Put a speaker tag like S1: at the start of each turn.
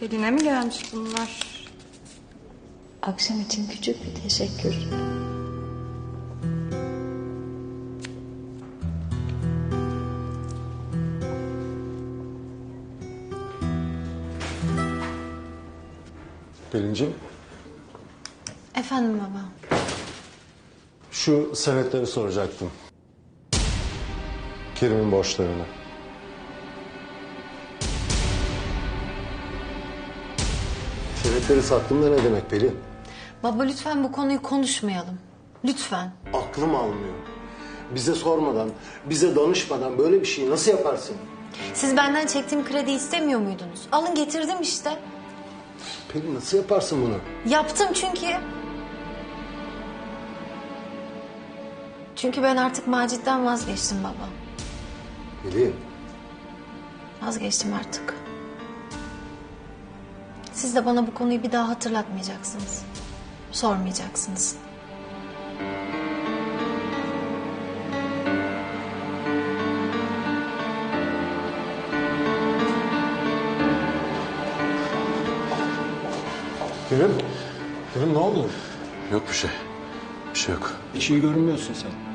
S1: Pelin'e mi gelmiş bunlar?
S2: Akşam için küçük bir teşekkür.
S3: Pelinciğim,
S1: Efendim baba.
S3: şu senetleri soracaktım. Kerim'in borçlarını. Senetleri sattım da ne demek Pelin?
S1: Baba lütfen bu konuyu konuşmayalım. Lütfen.
S3: Aklım almıyor. Bize sormadan, bize danışmadan böyle bir şeyi nasıl yaparsın?
S1: Siz benden çektiğim kredi istemiyor muydunuz? Alın getirdim işte.
S3: Pelin nasıl yaparsın bunu?
S1: Yaptım çünkü. Çünkü ben artık Macit'ten vazgeçtim baba.
S3: Pelin,
S1: Vazgeçtim artık. Siz de bana bu konuyu bir daha hatırlatmayacaksınız. Sormayacaksınız.
S3: Kerim, Kerim ne oldu?
S4: Yok bir şey. Bir şey yok.
S5: Hiç iyi görünmüyorsun sen.